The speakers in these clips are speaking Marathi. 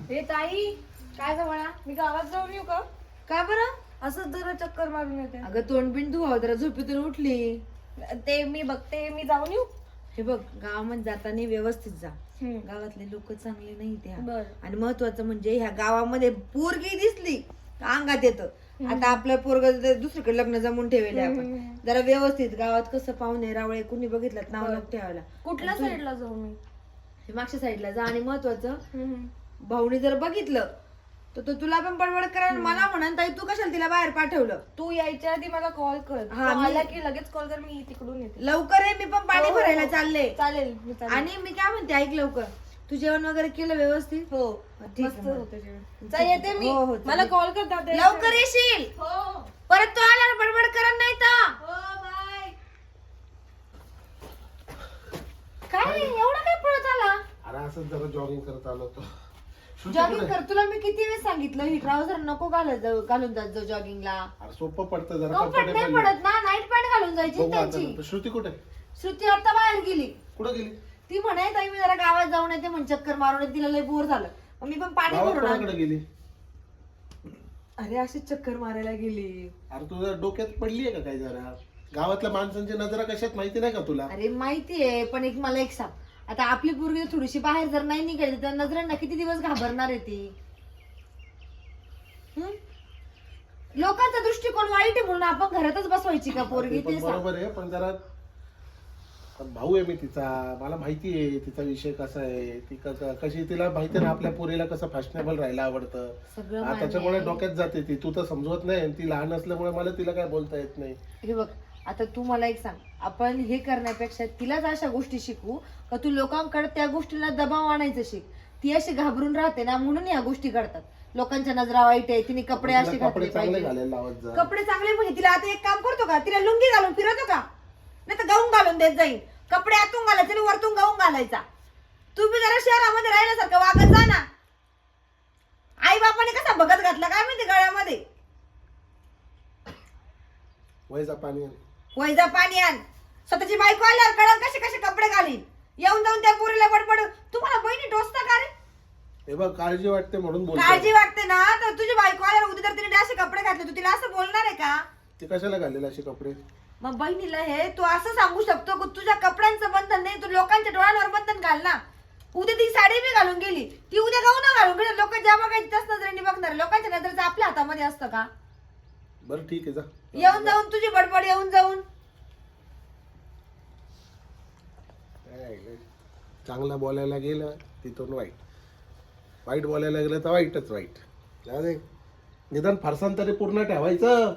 हे ताई, काय ग म्हणा, मी गावात जाऊन येऊ का? का बरं? असंच जरा चक्कर मारून येते. अगं तोंड बिंड धुवा, जरा झोपेतून उठली. ते मी बघते, मी जाऊन येऊ. हे बघ, गावामध्ये जाताना व्यवस्थित जा. हम्म. गावातले लोक चांगले नाही त्या. बर. आणि महत्वाचं म्हणजे ह्या गावामध्ये पोरगी दिसली का अंगात येतं. आता आपलं पोरग दुसरीकडे लग्न जमून ठेवले आपण. जरा व्यवस्थित गावात कसं पाहुणे रावळे कुणी बघितलं नाव बर. नको ठेवायला. कुठल्या साईडला जाऊ मी? हे मागच्या साईडला जा. आणि महत्वाचं, भाऊनी जर बघितलं तर तो तुला पण बडबड करा, मला म्हणा ताई तू कशाला तिला बाहेर पाठवलं. तू यायच्या आधी मला कॉल कर. हा, तू मी- आला की लगेच कॉल कर, मी तिकडून येते. लवकर आहे, मी पण पाणी हो, भरायला हो. चालले. चालेल, मी चालेल. आणि मी काय म्हणते, ऐक लवकर, तू जेवण वगैरे केलं व्यवस्थित? हो, ठीक मस्त आहे मग. होतं जेवण. चल येते मी. हो, हो, मला चालेल. कॉल कर दादा. लवकर येशील. हो परत तो आला बडबड करत नाही तर. हो, बाय. काय एवढं काय पळत आला? अरे असं जरा जॉगिंग करत आलो होतो. श्रुती जॉगिंग कुठे? कर. तुला मी किती वेळ सांगितलं ही ट्राउझर नको घालून जात जाऊ जॉगिंगला. अरे सोपं पडतं जरा कम्फर्ट नाही comfortable. पडत ना, नाईट पॅन्ट घालून जायची बघू ना आता त्यांची. नंतर. श्रुती कुठे? श्रुती आता बाहेर गेली. कुठे गेली? ती म्हणे ताई मी जरा गावात जाऊन येते, म्हणजे चक्कर मारून येते, तिला लय बोर झालं. मग मी पण पाणी गावात भरून कोणाकडे आणलं. गेली? अरे अशी चक्कर मारायला गेली. अरे तुझ्या डोक्यात पडलीये का काय जरा? गावातल्या माणसांची नजरा कशात माहिती नाही का तुला? अरे माहितीये, पण मला एक सांग, आता आपली पोरगी थोडीशी बाहेर जर नाही निघाली तर नजरांना किती दिवस घाबरणार आहे ती? हं? लोकांचा दृष्टिकोन वाईट आहे म्हणून आपण घरातच बसवायची का पोरगी? ते पण ते सांग. बरोबर आहे, पण जरा पण भाऊ आहे मी तिचा, मला माहिती आहे तिचा विषय कसा आहे, ती कशी, तिला माहिती आहे ना आपल्या पोरीला कसं फॅशनेबल राहायला आवडतं. सगळं हा, मान्य त्याच्यामुळे आहे. डोक्यात जाते ती. तू तर समजवत नाही आणि ती लहान असल्यामुळे मला तिला काय बोलता येत नाही. हे बघ, आता तू मला एक सांग, आपण हे करण्यापेक्षा तिलाच अशा गोष्टी शिकवू का तू लोकांकडे त्या गोष्टीला दबाव आणायचं शिक. ती अशी घाबरून राहते ना, म्हणून या गोष्टी करतात. लोकांच्या नजरा वाईट आहे, तिने कपडे तिला असे कपडे घातले चांगले पाहिजे. घालायला लावत जा. कपडे चांगले म्हणजे तिला आता एक काम करतो का, तिला लुंगी घालून फिरवतो का? नाही तर गाऊन घालून देत जाईल. कपडे आतून घालायचे आणि वरतून गाऊन घालायचा. तू बी जरा शहरामध्ये राहिल्यासारखं वागत जा ना. आई बापाने कसा बघत घातला काय माहिती गळ्यामध्ये. वयचा पाणी आण. वैजा पाणी आण. स्वतःची बायको आल्यावर कळल कसे कसे कपडे घालीन. येऊन जाऊन त्या पोरीला बडबड. तुम्हाला बहिणी टोचता का रे? हे बघ, काळजी वाटते म्हणून बोलतो. काळजी वाटते ना, तर तुझी बायको आल्यावर उद्या जर तिने असे कपडे घातले तू तिला असं बोलणार आहे का? ती कशाला घालेल असे कपडे? मग बहिणीला हे तू असं सांगू शकतो की तुझ्या कपड्यांचं बंधन नाही, तू लोकांच्या डोळ्यांवर बंधन घाल ना. उद्या ती साडी बी घालून गेली, ती उद्या गाऊन घालून गेली, लोक ज्या बघायची त्याच नजरेने बघणार. लोकांच्या नजरेचं आपल्या हातामध्ये असतं का? बरं ठीक आहे, जा. येऊन जाऊन तुझी बडबड येऊन जाऊन. चांगला बोलायला गेलं तिथून वाईट, वाईट बोलायला गेलं तर वाईटच वाईट. जाऊ दे, निदान फरसान तरी पूर्ण ठेवायचं.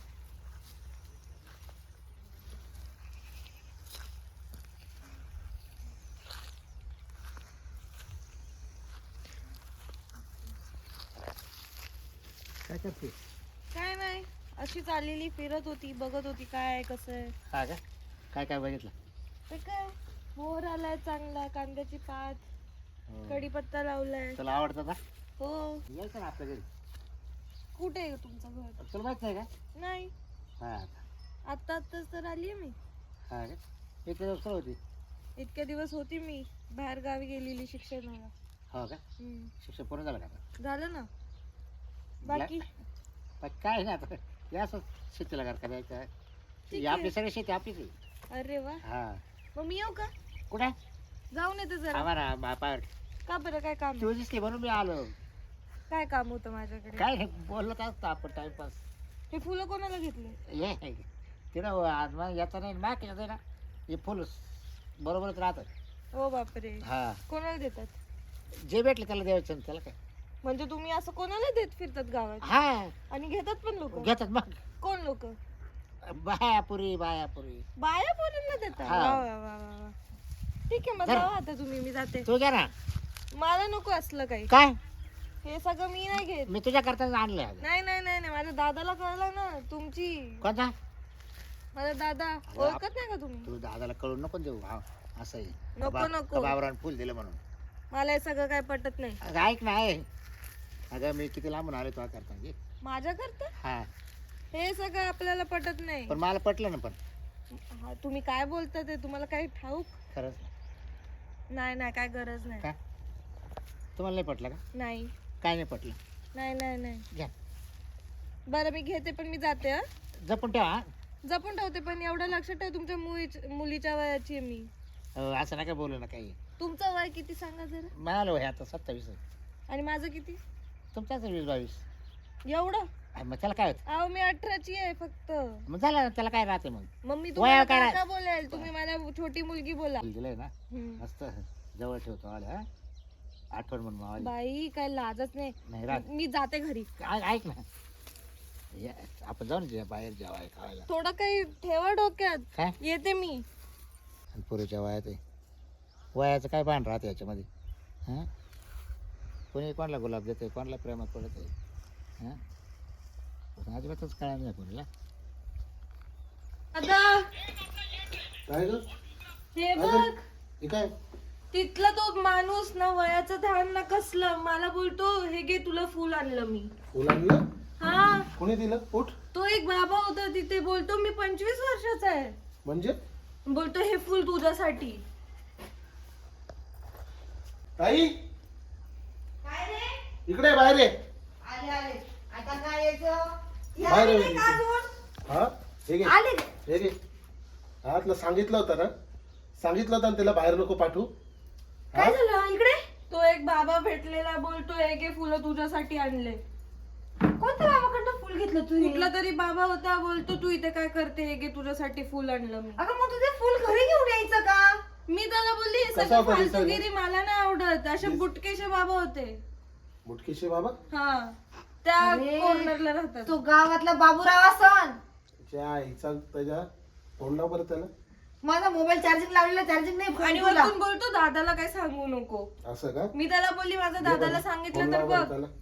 काय करते? काय नाही, अशी चाललेली, फिरत होती, बघत होती काय आहे कसं आहे. हा का? काय काय बघितलं? ते काय, मोर आलाय चांगला, कांद्याची पात, कढीपत्ता लावलाय. तुला आवडतं का? हो. यायचं ना आपल्या घरी. कुठे आहे तुमचं घर? तुला माहित नाही का? नाही, हा आत्ताच तर आलीये मी. हा का? इथे दिवस काय होती? इतके दिवस होती मी बाहेर गावी गेलेली शिक्षणाला. हो का? शिक्षण पूर्ण झालं का आता? झालं ना. बाकी पण काय नाही आता, या असं शेतीला घर करायचं. ठीक आपली आहे. सगळी शेती आपलीच आहे. अरे वा, हा. मग मी येऊ का? कुठे? जाऊन येते जरा. आम्हाला बापावर का बरं, काय काम? तू दिसली म्हणून मी आलो. काय काम होतं माझ्याकडे? काय नाही, बोलत असतो आपण टाइमपास. हे फुलं कोणाला घेतले? ये तिथं आज मग याचा नाही माग येते ना, हे फुल बरोबरच राहतात. ओ बापरे, हा, कोणाला देतात? जे भेटले त्याला द्यायचं, त्याला काय. म्हणजे तुम्ही असं कोणाला देत फिरतात गावात हा, आणि घेतात पण लोक? घेतात मग. कोण लोक? बायापुरी बायापुरी. बाया पोरींना देतात? हा. वा वा वा वा वा. ठीक आहे, मग जरा. जावा आता तुम्ही, मी जाते. तू घ्या ना. मला नको असलं काही. काय? हे सगळं मी नाही घेत. मी तुझ्या करता आणले. नाही नाही नाही नाही, माझ्या दादाला कळलं ना तुमची. कोणता? माझा दादा ओळखत नाही का तुम्ही? तू दादाला कळून नको देऊ. हा, असं आहे. नको नको, बाबरान फुल दिलं म्हणून. मला हे सगळं काय पटत नाही. अगं ऐक ना, आहे अगं मी किती लांबून आलो तुला करता म्हणजे. माझ्या करता हा, हे सगळं आपल्याला पटत नाही. पण मला पटलं ना. पण हा, तुम्ही काय बोलता ते तुम्हाला काही ठाऊक? खरंच नाही नाही, काय गरज नाही. काय? तुम्हाला नाही पटलं का? नाही काय नाही पटलं? नाही नाही नाही घ्या, बरं मी घेते पण मी जाते हा. जपून ठेवा हा. जपून ठेवते पण एवढं लक्षात ठेव तुमच्या मुलीच्या वयाची आहे मी. असं नका बोलू ना काही. तुमचं वय किती सांगा जरा. मला वय आता 27 आहे. आणि माझं किती? तुमच्याच 20-22. एवढं? मग त्याला काय होतं? अहो मी 18ची आहे फक्त. मग झालं ना, त्याला काय राहते मग. मग मी वया तुम्हाला काय काका बोलेल, तुम्ही मला छोटी मुलगी बोला. दिलंय ना हम्म. मस्त जवळ ठेवतो आले हा. आठवण म्हणून मावाली. बाई काय लाजच नाही नाही. राहत. मी जाते घरी. ऐक ना, आपण जाऊ ना बाहेर जेवाय खायला. थोडं काही ठेवा डोक्यात. काय येते मी. आणि पुरीच्या वयात आहे, वयाचं काय भान राहते याच्यामध्ये. हां, कोणी कोणाला गुलाब देते, कोणाला प्रेमात पडत आहे. हां, अजिबातच कळणार नाही कोणाला. आता काय ग हे बघ हे काय? तिथला तो माणूस ना वयाचं ध्यान ना कसलं मला बोलतो हे घे तुला फुल आणलं मी. फुल आणलं? हा कोणी दिलं? उठ. तो एक बाबा होता तिथे बोलतो मी 25 वर्षाचा आहे. म्हणजे बोलतो हे फुल तुझ्यासाठी. ताई काय रे? इकडे बाहेर ये. आले आले. आता काय यायचं? या बाहेर आले ये. नाही का अजून? हा हे घे, आले. हे घे. हा तुला सांगितलं होतं ना, सांगितलं होतं ना त्याला बाहेर नको पाठवू. काय झालं इकडे? तो एक बाबा भेटलेला बोलतो हे घे फुलं तुझ्यासाठी आणले. कोणत्या बाबाकडनं फुल घेतलं तू? कुठला तरी बाबा होता बोलतो तू इथे काय करते हे घे तुझ्यासाठी फुल आणलं मी. अगं मग तुझे फुल घरी घेऊन यायचं का? मी त्याला बोलली हे कसा सगळं होता दिसायला? फालतूगिरी मला नाही आवडत. असे बुटकेशे बाबा होते. मुटकीशी बाबा हा त्या अरे. कॉर्नरला राहतात. तो गावातला बाबूराव असन. त्या आईचा त्याच्या फोन लाव बरं त्याला. माझा मोबाईल चार्जिंग लावलेला, चार्जिंग नाही. आणि फोन तुला. वरतून बोलतो दादाला काय सांगू नको. असं का? मी त्याला बोलली माझ्या दादाला सांगितलं फोन तर लाव बरं बघ. त्याला.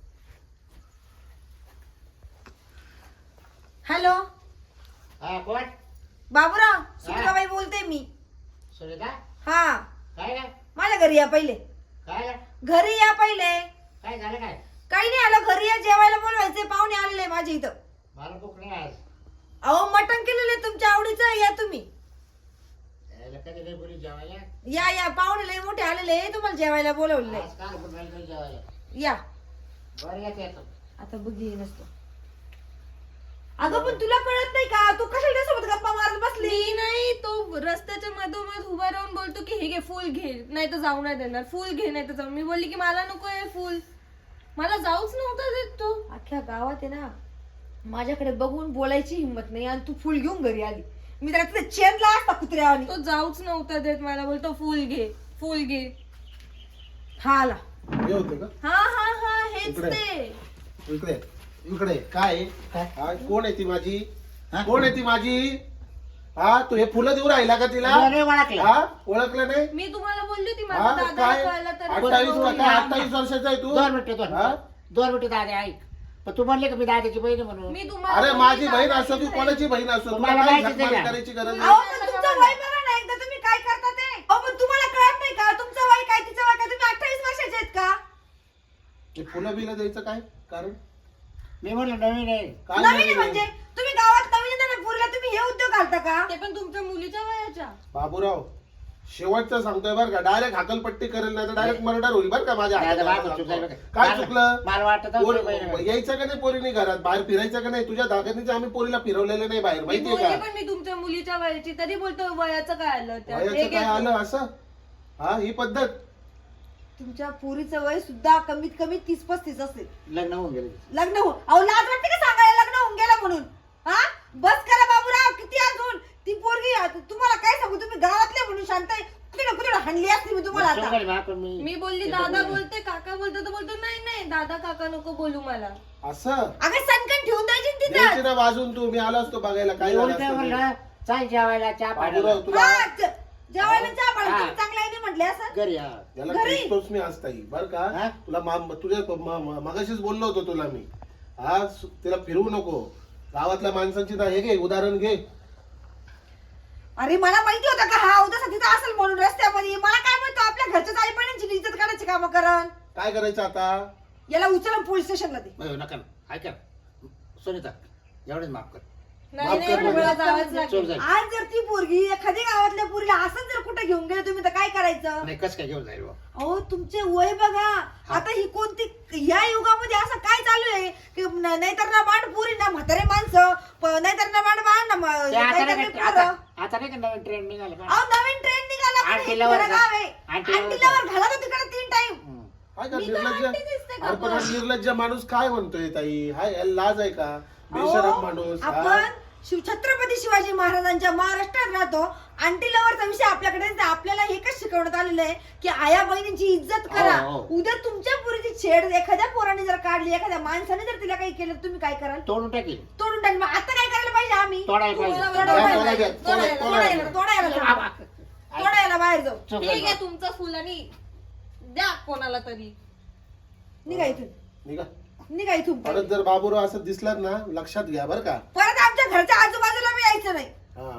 हॅलो हा कोण? बाबूराव, सुनीताबाई बोलते मी. सुनीता? हा काय काय माझ्या घरी या पहिले. काय घरी या पहिले. काय झालं काय? काही नाही आलं, घरी या, जेवायला बोलवायचे. पाहुणे आलेले माझे इथं. मला भूक नाही आज. अहो मटण केलेलं तुमच्या आवडीचं, या तुम्ही. यायला कधी नाही बोली जेवायला. या या, पाहुणे लय मोठे आलेले, तुम्हाला जेवायला बोलवले. आज काल भूक नाही तुला जेवायला. या. बरं येतो. आता बघी नसतो. अगं पण तुला कळत नाही का? तू कशाला त्यासोबत गप्पा मारत बसली? मी नाही तो रस्त्याच्या मधोमध उभा राहून बोलतो की हे घे फुल घे नाही तर जाऊ नाही देणार. फुल घे नाही तर जाऊ. मी बोलली की मला नको आहे फुल. मला जाऊच नव्हता देत तो. अख्ख्या गावात आहे ना माझ्याकडे बघून बोलायची हिंमत नाही आणि तू फुल घेऊन घरी आली. मी तर तिथे चेनला असता कुत्र्यावानी. तो जाऊच नव्हता देत मला. बोलतो फुल घे फुल घे. हा आला. हे होते का? हा हा हा हेच इकडे. ते. इकडे इकडे काय काय? हा, कोण आहे ती माझी? हा? कोण आहे ती माझी? हा तू हे फुलं देऊ राहिला का तिला? अरे ओळखलं. हा ओळखलं नाही? मी तुम्हाला बोलली होती हा माझ्या दादाला काय कळलं तर 28 का काय 28 वर्षाचा आहे तू? 2 मिनिटं हा? 2 मिनिटं दादा ऐक. पण तू म्हणले का मी दादाची बहीण आहे म्हणून. मी तुम्हाला अरे बोलली माझी बहीण दादाची असो की बहीण. कोणाची बहीण असो तुला तुम्हाला काय माहितीच आहे झकमारी का? करायची गरज अहो नाही. पण तुमचं वय बघा ना एकदा, तुम्ही काय करता ते. अहो पण तुम्हाला कळत नाही का तुमचं वय काय तिचं वय काय? तुम्ही 28 वर्षाचे आहेत का? हे फुलं बिलं द्यायचं काय कारण? मी म्हणलं नवीन आहे. काय नवीन आहे नाही म्हणजे तुम्ही गावात नवीन आहे ना, पुरीला तुम्ही हे उद्योग घालता का? ते पण तुमच्या मुलीच्या वयाच्या. बाबूराव शेवटचं सांगतोय बरं का, डायरेक्ट हाकलपट्टी करेल नाही तर डायरेक्ट मर्डर होईल बरं का माझ्या दादा, हातात. बाबा, चुकलं बरं. काय मला- चुकलं? मला वाटतं पोरी- तुझी बहीण आहे. यायचं का नाही पोरीने घरात? बाहेर फिरायचं का नाही? तुझ्या दादानीच आम्ही पोरीला फिरवलेलं नाही बाहेर, मी माहितीये बोलली का? पण मी तुमच्या मुलीच्या वयाची तरी बोलतो वयाचं काय आलं त्यात. हे वयाचं घे काय फुल. आलं असं? हा ही पद्धत? तुमच्या पुरीचं वय सुद्धा कमीत कमी 30-35 असेल. लग्न होऊन गेलं. लग्न होऊन अहो लाज वाटते का सांगायला लग्न होऊन गेलं म्हणून? हा बस करा बाबूराव, किती अजून ती पोरगी तुम्हाला काय सांगू, तुम्ही गावातले म्हणून शांत आहे. कुठे कुठे हाणली असती मी तुम्हाला आता. चुकलं बा, पण मी मी बोलली दादा बोलते काका बोलतो तर बोलतो नाही नाही दादा काका नको बोलू मला. असं अगं सनकन ठेवून द्यायची ना द्यायची तिथं. ना वाजून तू, मी आलो असतो बघायला काय झालं एवढं काय असतं ते. म्हणलं चाल जेवायला चहा बाबूराव पाण्याला तुला हा, जेवायला चहा पाणी हा. तुम्ही चांगलं आहे नाही म्हटले असं. घरी हा. याला घरी? क्रिस्टोस मी असता येईल बरं का. हा? तुला तुझ्या मगाशीच बोललो होतो तुला मी. हा तिला फिरवू नको. गावातल्या माणसांची ना हे घे उदाहरण घे. अरे मला माहिती होतं का हा उद्या तिथं असेल म्हणून रस्त्यामध्ये. मला काय म्हणतो आपल्या घरच्याच आई बहिणींची इज्जत करायची कामं करण. काय करायचं आता? याला उचलून पोलीस स्टेशनला दे. नका ना ऐका सुनीता एवढेच माफ कर. नाही नाही माफ कर मला म्हणजे. जावंच चल लागेल. जाईल. आज जर ती पोरगी एखाद्या गावातल्या पोरीला असंच जर कुठे घेऊन गेले तुम्ही तर काय करायचं? नाही कसं काय घेऊन जाईल बा? अहो तुमचे वय बघा आता ही कोणती या युगामध्ये असं काय चालू आहे की नाहीतर ना बाण पुरी ना म्हातारे माणसं नाहीतर ना बाण बाण ना ते आता नाहीतर नाही मी का- पोरं. आता नाही का नवीन ट्रेंड निघाला का? अहो नवीन ट्रेंड निघाला पण आंटी हे लवर खरं जा. गाव आहे. आंटी लवर आंटी जा. लवर घाला तो तिकडे 3 टाइम. हम्म. हाय का मी काय निर्लज्ज? आंटी दिसते का अरे पण हा पण? निर्लज्ज माणूस काय म्हणतोय ताई? हाय याला लाज आहे का? बेशरम अहो, माणूस हा? आपण छत्रपती शिवाजी महाराजांच्या महाराष्ट्रात राहतो. आंटी लवरचा विषय आपल्याकडे आहे. आपल्याला हे कसं शिकवण्यात आलेलं आहे की आया बहिणीची इज्जत करा. हो, हो. उद्या तुमच्या पुरीची छेड एखाद्या पोराने जर काढली एखाद्या माणसाने जर तिला काही केलं तुम्ही काय कराल? तोडून टाकेल. तोडून टाकलं. मग आता काय करायला पाहिजे आम्ही? तोडायला पाहिजे. तोडायला बाहेर जाऊ. चुक ठीक झाली. आहे तुमचं फुल आणि द्या कोणाला तरी. निघा इथून. निघा. निघा इथून. परत जर बाबूराव असं दिसलात ना लक्षात घ्या बर का. परत आमच्या घरच्या आजूबाजूला बी यायचं नाही. हा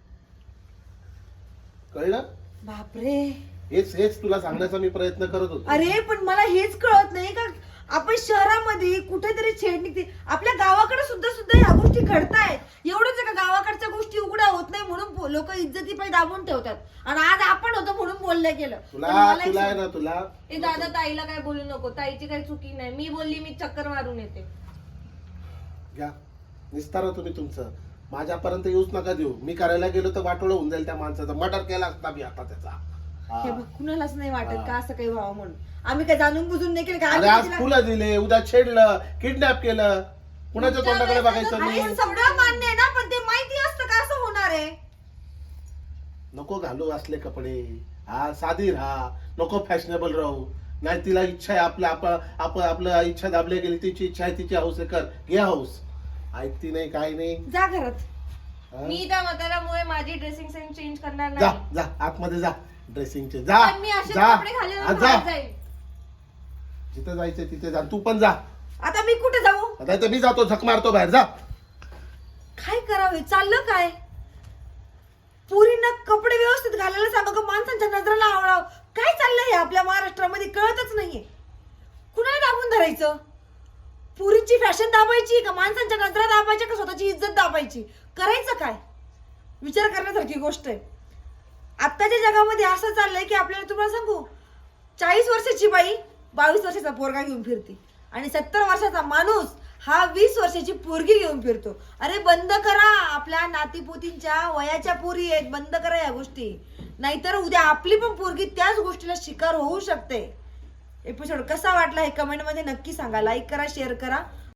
कळलं? बापरे. हेच तुला सांगण्याचा मी प्रयत्न करत होतो. अरे पण मला हेच कळत नाही का आपण शहरामध्ये कुठेतरी छेड निघते. आपल्या गावाकडे सुद्धा ह्या गोष्टी घडतायत. एवढंच आहे का गावाकडच्या गोष्टी उघड्या होत नाही म्हणून लोक इज्जती पायी दाबून ठेवतात आणि आज आपण होतो म्हणून बोललं गेलं. पण तुला मला एक तुला आहे सांग. ना तुला ए दादा ताईला काय बोलू नको. ताईची काही चुकी नाही. मी बोलली मी चक्कर मारून येते. घ्या निस्तारा तुम्ही तुमचं. माझ्यापर्यंत येऊच नका देऊ. मी करायला गेलो तर वाटोळं होऊन जाईल त्या माणसाचं. मर्डर केला असता मी आता त्याचा. हा. हे बघ, कुणालाच नाही वाटत हा. का असं काही व्हावं म्हणून. आम्ही काय जाणून बुजून नाही केलं का? अरे आम्ही आज तिला- फुलं दिले, उद्या छेडलं, किडनॅप केलं. कुणाच्या तोंडाकडे बघायचं अरे मी? सगळं मान्य आहे ना पण ते माहिती असतं का असं होणार आहे? नको घालू असले कपडे. हा साधी राहा. नको फॅशनेबल राहू. नाही तिला इच्छा आहे आपलं इच्छा दाबली गेली. तिची इच्छा आहे तिची हौस आहे कर. घे हौस. ऐकती नाही काय नाही. जा घरात. हा? मी त्या म्हाताऱ्यामुळे माझी ड्रेसिंग सेन्स चेंज करणार जा नाही. जा आतमध्ये जा. ड्रेसिंगचे जा पण मी असे जा कपडे घालेल हा, ना जा बाहेर जाईल. जिथे जायचं तिथे जा. तू पण जा. आता मी कुठे जाऊ? आता इथं मी जातो झक मारतो बाहेर. जा. काय करावे? चाललं काय? पुरींना कपडे व्यवस्थित घालायला सांगा का माणसांच्या नजरेला आवडावं? काय चाललंय हे आपल्या महाराष्ट्रामध्ये कळतच नाहीये. कुणाला दाबून धरायचं? पुरीची फॅशन दाबायची का माणसांच्या नजरा दाबायच्या का स्वतःची इज्जत दाबायची? करायचं काय? विचार करण्यासारखी गोष्ट आहे. आत्ताच्या जगामध्ये असं चाललंय की आपल्याला तुम्हाला सांगू 40 वर्षाची बाई 22 वर्षाचा पोरगा घेऊन फिरते आणि 70 वर्षाचा माणूस हा 20 वर्षाची पोरगी घेऊन फिरतो. अरे बंद करा. आपल्या नातीपोतींच्या वयाच्या पोरी आहेत. बंद करा या गोष्टी. नाहीतर उद्या आपली पण पोरगी त्याच गोष्टीला शिकार होऊ शकते. एपिसोड कसा वाटला हे कमेंट मध्ये नक्की सांगा. लाईक करा, शेअर करा